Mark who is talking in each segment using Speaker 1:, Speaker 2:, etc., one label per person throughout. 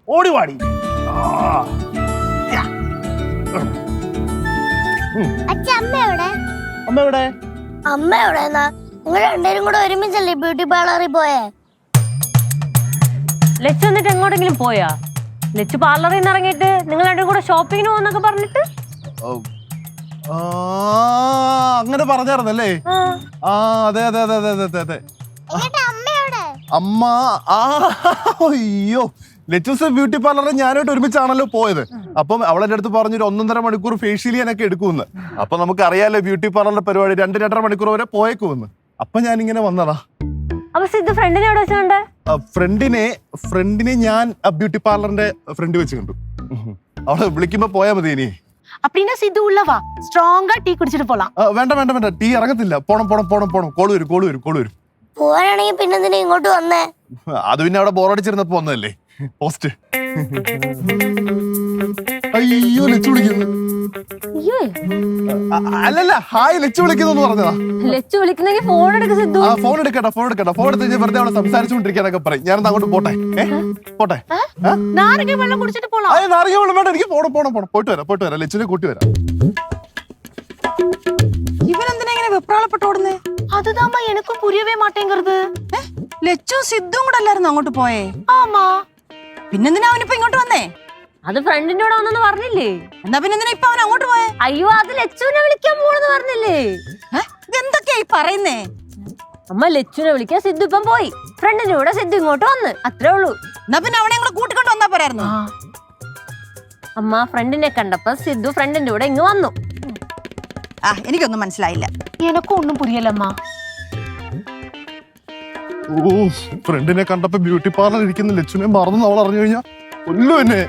Speaker 1: ഓടി വാടി. അമ്മ എവിടെ?
Speaker 2: അമ്മ എവിടെന്നാ? നിങ്ങൾ രണ്ടുപേരും കൂടെ ഒരുമിച്ചല്ലേ ബ്യൂട്ടി പാർലറിൽ പോയേ?
Speaker 3: ലച്ചു എന്നിട്ട് എങ്ങോട്ടെങ്കിലും പോയാ? ലച്ചു പാർലറിൽ നിന്ന് ഇറങ്ങിയിട്ട് നിങ്ങൾ രണ്ടും കൂടെ ഷോപ്പിങ്ങിന് പോകുന്നൊക്കെ പറഞ്ഞിട്ട്
Speaker 1: അങ്ങനെ പറഞ്ഞായിരുന്നല്ലേ? ആ അതെ അതെ അതെ അതെ അതെ അതെ. അമ്മ അയ്യോ, ലെച്ചൂസ് ബ്യൂട്ടി പാർലറിൽ ഞാനായിട്ട് ഒരുമിച്ചാണല്ലോ പോയത്. അപ്പം അവളെന്റെ അടുത്ത് പറഞ്ഞൊരു 1.5 മണിക്കൂർ ഫേഷ്യൽ ചെയ്യാനൊക്കെ എടുക്കുമെന്ന്. അപ്പൊ നമുക്ക് അറിയാലോ ബ്യൂട്ടി പാർലറിന്റെ പരിപാടി 2-2.5 മണിക്കൂർ വരെ പോയേക്കുമെന്ന്. അപ്പൊ ഞാനിങ്ങനെ വന്നതാ. ഫ്രണ്ടിനെ ഞാൻ ബ്യൂട്ടി പാർലറിന്റെ ഫ്രണ്ട് വെച്ച് കണ്ടു. അവളെ വിളിക്കുമ്പോ പോയാ മതി. ഇനി
Speaker 4: அப்படினா சித்து உள்ள வா, ஸ்ட்ராங்கா டீ குடிச்சிட்டு போலாம்.
Speaker 1: വേണ്ട വേണ്ട വേണ്ട, ടീ ഇറങ്ങത്തില്ല. പോണം പോണം പോണം പോണം. കോള് വരും.
Speaker 2: പോവാനാണെങ്കിൽ പിന്നെ എന്തിനാ ഇങ്ങോട്ട് വന്നേ?
Speaker 1: അത് പിന്നെ അവിടെ ബോറടിച്ചിരുന്നപ്പോ വന്നതല്ലേ പോസ്റ്റ്. അയ്യോ ലച്ചു വിളിക്കുന്നു. അല്ലല്ല, ഹായ് ലച്ചു വിളിക്കുന്നു പറഞ്ഞതാ.
Speaker 3: ലച്ചു വിളിക്കുന്നെങ്കിൽ ഫോൺ എടുക്ക സിദ്ധു.
Speaker 1: ഫോൺ എടുക്കട്ടെ. ഫോൺ എടുത്ത് വെറുതെ അവിടെ സംസാരിച്ചുകൊണ്ടിരിക്കാനൊക്കെ പറയും. ഞാനത് അങ്ങോട്ട് പോട്ടെ.
Speaker 4: നാരങ്ങ വെള്ളം കുടിച്ചിട്ട് പോலாம்.
Speaker 1: നാരങ്ങ വെള്ളം വേണ്ട, എനിക്ക് പോണം. പോയിട്ട് വരാം. ലച്ചുവിനെ കൂട്ടി വരാം.
Speaker 4: ഇവനെന്തിനാ ഇങ്ങനെ വെപ്രാളപ്പെട്ടോടുന്നേ? അതുതാമ്മ എനിക്കും പുരിയവേ മാട്ടേങ്കരുത്. ലച്ചു സിദ്ധും കൂടെ അല്ലായിരുന്നു അങ്ങോട്ട് പോയേ? ആമാ. പിന്നെന്തിനാ അവനിപ്പോ ഇങ്ങോട്ട് വന്നേ?
Speaker 3: അത് ഫ്രണ്ടിന്റെ കൂടെ വന്നെന്ന് പറഞ്ഞില്ലേ?
Speaker 4: എന്നാ പിന്നെന്തിനാ ഇപ്പൊ അവൻ അങ്ങോട്ട് പോയേ?
Speaker 3: അയ്യോ, അത് ലച്ചുവിനെ വിളിക്കാൻ പോണെന്ന് പറഞ്ഞില്ലേ?
Speaker 4: ഇതെന്തൊക്കെയായി പറയുന്നേ?
Speaker 3: അമ്മ ലച്ചുവിനെ വിളിക്കാൻ സിദ്ധു ഇപ്പം പോയി. ഫ്രണ്ടിന്റെ കൂടെ സിദ്ധു ഇങ്ങോട്ട് വന്ന്, അത്രേ ഉള്ളൂ.
Speaker 4: എന്നാ പിന്നെ അവനെ കൂടെ കൂട്ടിക്കൊണ്ട് വന്നാ പോരായിരുന്നു?
Speaker 3: അമ്മ ഫ്രണ്ടിനെ കണ്ടപ്പോ സിദ്ധു ഫ്രണ്ടിന്റെ കൂടെ ഇങ്ങ് വന്നു.
Speaker 4: എനിക്കൊന്നും മനസ്സിലായില്ല. എനക്കും ഒന്നും പുരിയല്ലമ്മ.
Speaker 1: ഫ്രണ്ടിനെ കണ്ടപ്പോ ബ്യൂട്ടി പാർലർ ഇരിക്കുന്ന ലച്ചുവിനെ മറന്നു അവൾ അറിഞ്ഞു കഴിഞ്ഞാ കൊല്ലു എന്നെ.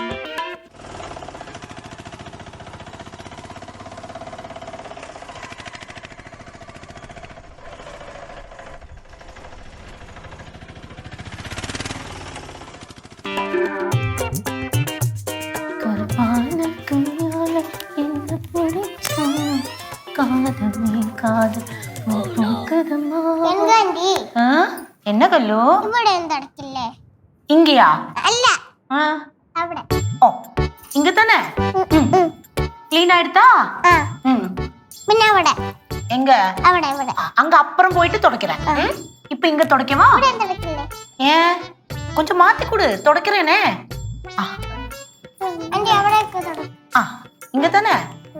Speaker 4: என்ன கல்லு? இங்கயா?
Speaker 2: അല്ല, അവിടെ.
Speaker 4: ഓ, ഇങ്ങ തന്നെ. ക്ലീൻ ആയിട്ടാ?
Speaker 2: പിന്നെ അവിടെ.
Speaker 4: എങ്ക?
Speaker 2: അവിടെ.
Speaker 4: அங்க அப்புறம் போயிட்டு தொடக்கிறேன். இப்போ இங்க தொடக்கவா? ஏன் கொஞ்சம் மாத்தி கொடு, தொடக்கிறேனே.
Speaker 2: ആന്റി അവിടേക്ക് തുട.
Speaker 4: இங்க தானே?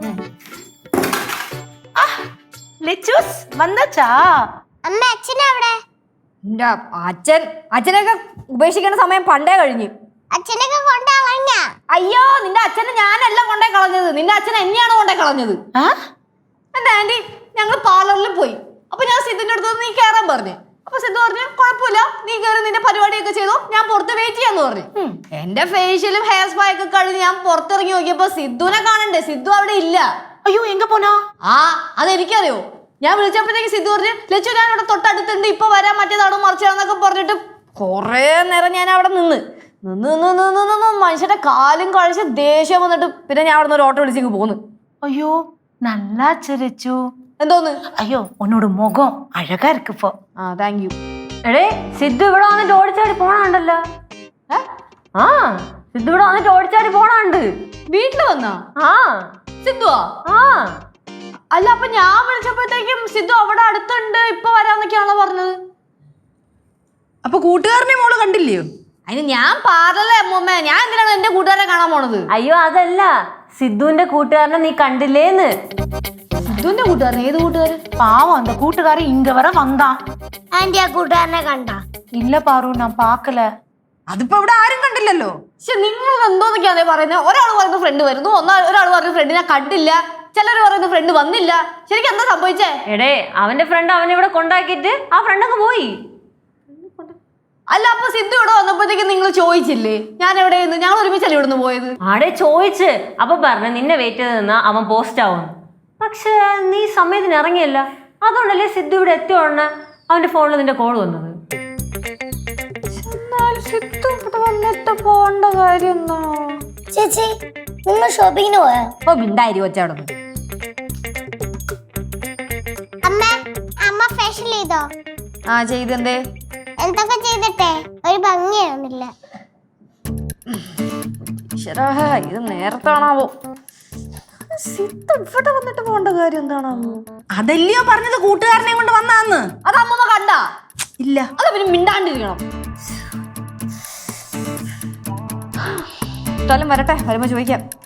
Speaker 4: ലെച്ചൂസ് വന്നച്ചാ?
Speaker 2: അമ്മ അച്ഛനെ അവിടെ.
Speaker 3: അച്ഛനൊക്കെ ഉപേക്ഷിക്കുന്ന സമയം പണ്ടേ കഴിഞ്ഞു.
Speaker 2: അച്ഛനൊക്കെ കൊണ്ടുകളഞ്ഞ.
Speaker 3: അയ്യോ, നിന്റെ അച്ഛനെ ഞാനല്ല കൊണ്ടേ കളഞ്ഞത്, നിന്റെ അച്ഛൻ എന്നെയാണ് കൊണ്ടേ കളഞ്ഞത്. എന്റെ ആന്റി, ഞങ്ങൾ പാർലറിൽ പോയി. അപ്പൊ ഞാൻ സിദ്ധുന്റെ അടുത്ത് നീ കയറാൻ പറഞ്ഞു. അപ്പൊ സിദ്ധു പറഞ്ഞു കുഴപ്പമില്ല, നീ കയറി നിന്റെ പരിപാടിയൊക്കെ ചെയ്തോ, ഞാൻ പുറത്ത് വെയിറ്റ് ചെയ്യാന്ന് പറഞ്ഞു. എന്റെ ഫേഷ്യലും ഹെയർ സ്പാ ഒക്കെ കഴിഞ്ഞ് ഞാൻ പുറത്തിറങ്ങി നോക്കിയപ്പോ സിദ്ധുവിനെ കാണണ്ടേ? സിദ്ധു അവിടെ ഇല്ല.
Speaker 4: അയ്യോ, എങ്ക പോനാ?
Speaker 3: അതെനിക്കറിയോ. ഞാൻ വിളിച്ചപ്പോഴത്തേക്ക് സിദ്ധു പറഞ്ഞു ലച്ചു ഞാൻ അവിടെ തൊട്ടടുത്തുണ്ട്, ഇപ്പൊ വരാൻ മറ്റേതാണോ മറിച്ചാണെന്നൊക്കെ പറഞ്ഞിട്ട് കൊറേ നേരം ഞാൻ അവിടെ നിന്ന് മനുഷ്യന്റെ കാലും കഴിച്ച് ദേഷ്യം വന്നിട്ട് പിന്നെ ഞാൻ അവിടെ നിന്ന് ഒരു ഓട്ടോ വിളിച്ചേക്ക് പോന്ന്.
Speaker 4: അയ്യോ, நல்லா ചിരിച്ചു.
Speaker 3: എന്തോന്ന്?
Speaker 4: അയ്യോ, ഉന്നോട് മുഖം അഴകാ ഇருக்கு ഇപ്പൊ.
Speaker 3: Thank you.
Speaker 5: എടേ, സിദ്ധു ഇവിടെ വന്നിട്ട് ഓടിച്ചാടി പോണുണ്ടല്ലോ. സിദ്ധു ഇവിടെ വന്നിട്ട് ഓടിച്ചാടി പോണുണ്ട്.
Speaker 3: വീട്ടില് വന്നാ? സിദ്ധുവാ? അല്ല, അപ്പൊ ഞാൻ വിളിച്ചപ്പോഴത്തേക്കും സിദ്ധു അവിടെ അടുത്തുണ്ട്, ഇപ്പൊ വരാന്നൊക്കെയാണല്ലോ പറഞ്ഞത്.
Speaker 4: അപ്പൊ കൂട്ടുകാരനെ മോള് കണ്ടില്ലയോ?
Speaker 3: അതിന് ഞാൻ പാർലറിലെ അമ്മൂമ്മ, ഞാൻ എന്തിനാണ് എന്റെ കൂട്ടുകാരെ കാണാൻ പോണത്?
Speaker 5: അയ്യോ അതല്ല, സിദ്ധുവിന്റെ കൂട്ടുകാരനെ നീ കണ്ടില്ലേന്ന്.
Speaker 3: സിദ്ധുവിന്റെ കൂട്ടുകാരൻ? ഏത് കൂട്ടുകാരൻ?
Speaker 4: പാവം, அந்த കൂട്ടുകാരൻ ഇങ്ങ വരെ വந்தான்.
Speaker 2: ആന്റി ആ കൂട്ടുകാരനെ കണ്ട?
Speaker 4: ഇല്ല പാറു, ഞാൻ പാക്കല. അതിപ്പോ ഇവിടെ ആരും കണ്ടില്ലല്ലോ.
Speaker 3: പക്ഷെ നിങ്ങൾ എന്തോന്നൊക്കെയാ പറയുന്നത്? ഒരാൾ പറയുന്ന ഫ്രണ്ട് വരുന്നു, ഒരാൾ പറയുന്ന ഫ്രണ്ടിനെ കണ്ടില്ല, ചിലർ പറയുന്ന ഫ്രണ്ട് വന്നില്ല. ശരിക്കും എന്താ സംഭവിച്ചേ?
Speaker 5: എടേ, അവന്റെ ഫ്രണ്ട് അവനെ ഇവിടെ കൊണ്ടാക്കിട്ട് ആ ഫ്രണ്ടൊക്കെ പോയി.
Speaker 3: അല്ല, അപ്പൊ സിദ്ധു ഇവിടെ വന്നപ്പോഴത്തേക്ക് നിങ്ങൾ ചോദിച്ചില്ലേ ഞാൻ എവിടെയെന്ന്? ഞങ്ങൾ ഒരുമിച്ചല്ലേ ഇവിടുന്ന് പോയത്?
Speaker 5: ആടെ ചോദിച്ച്, അപ്പൊ പറഞ്ഞു നിന്നെ വെയിറ്റ് ചെയ്ത് നിന്നാ അവൻ പോസ്റ്റ് ആവും. പക്ഷെ നീ സമയത്തിന് ഇറങ്ങിയല്ല, അതുകൊണ്ടല്ലേ സിദ്ധു ഇവിടെ എത്തിയ ഉടനെ അവന്റെ ഫോണിൽ നിന്റെ കോൾ വന്നത്.
Speaker 3: സിദ്ധു ഇവിടെ വന്നിട്ട് പോണ്ട കാര്യം എന്താ?
Speaker 2: ചേച്ചി, നിങ്ങൾ ഷോപ്പിങ്ങിന് പോയോ?
Speaker 3: മിണ്ടായി വെച്ചവിടെ.
Speaker 2: അമ്മ ഫേഷ്യൽ ചെയ്തോ?
Speaker 3: ചെയ്തെന്തേ?
Speaker 2: എന്തൊക്കെ ചെയ്തിട്ടെ ഒരു ഭംഗിയാവുന്നില്ല.
Speaker 3: ഈശ്വരാ, ഇത് നേരത്താണാവോ? സിദ്ധ ഇവിടെ വന്നിട്ട് പോകേണ്ട കാര്യം എന്താണാവോ?
Speaker 4: അതല്ലയോ പറഞ്ഞത് കൂട്ടുകാരനെ കൊണ്ട് വന്നാന്ന്.
Speaker 3: അത് അമ്മമ്മ കണ്ടാ?
Speaker 4: ഇല്ല.
Speaker 3: അത് പിന്നെ മിണ്ടാണ്ടിരിക്കണം. സ്ഥലം വരട്ടെ, വരുമ്പോ ചോദിക്കാം.